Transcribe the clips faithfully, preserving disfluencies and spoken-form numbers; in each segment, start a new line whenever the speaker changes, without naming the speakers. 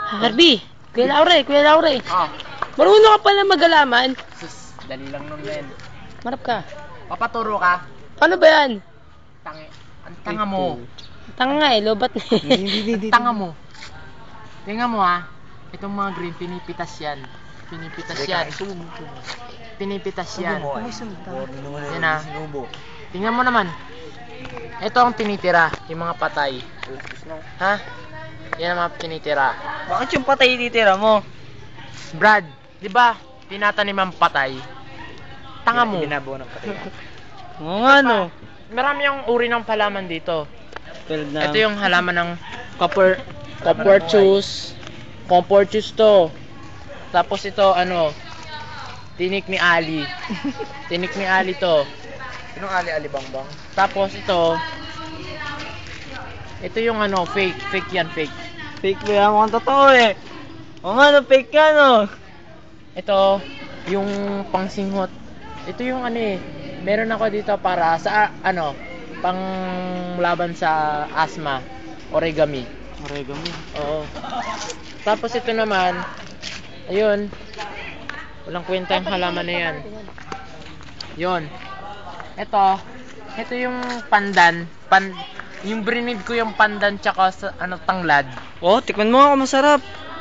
Harvey, Kuya Laure, Kuya Laure.
Ah,
Marunong ka pala mag-alaman.
sus, dali lang nun, men.
Marap ka.
Papaturo ka.
Paano ba yan?
Tangi. Ang tanga mo.
Tanga nga eh, lobat na eh.
Ang tanga mo. Tingnan mo ha. Itong mga green, pinipitas yan. Pinipitas yan. Pinipitas yan. Yan ha. Tingnan mo naman. Ito ang tinitira, yung mga patay. Ha? Yan ang mga tinitira.
Bakit yung patay titira mo?
Brad, di ba tinatanim ang patay? Tanga mo.
Binabuo ng patay. Oo nga no.
Marami yung uri ng palaman dito.
Tulad na.
Ito yung halaman ng copper, copperchus. Copperchus to. Tapos ito ano, tinik ni Ali. Tinik ni Ali to.
Sinong ali-ali bangbang?
Tapos ito, ito yung ano, fake, fake yan, fake.
Fake ba yan? Mukhang totoo eh. Oo nga no, fake ka no.
Ito, yung pangsinghot. Ito yung ano eh, meron ako dito para sa ano, pang laban sa asthma, origami.
Origami.
Oo. Tapos ito naman, ayun, walang kwenta yung halaman na yan. Yun. Ito, ito yung pandan, pan, yung brinid ko yung pandan tsaka sa, ano, tanglad.
Oh, tikman mo ako masarap.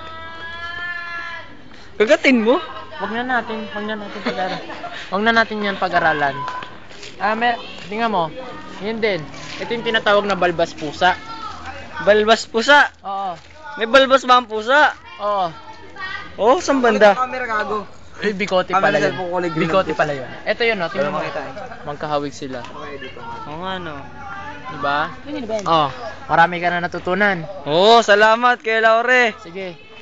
Gagatin mo?
Wag na natin, wag na natin pag-aralan. Wag na natin yan pag-aralan. Ah, may, tingnan mo, yun din. Ito yung tinatawag na balbas pusa.
Balbas pusa.
Oo.
May balbas ba ang pusa?
Oo.
Oh, saan banda?
Camera gago.
Eh, bikote pala yun.
cellphone ko, liglig
Bikote
ng
pala yun. Ito yun, no? Tingnan mo.
makita eh.
Magkahawig sila.
Okay, dito.
Oo nga no.
Diba?
Yun yun ba yan?
Oh, marami ka na natutunan.
Oo, salamat kay Laure.
Sige.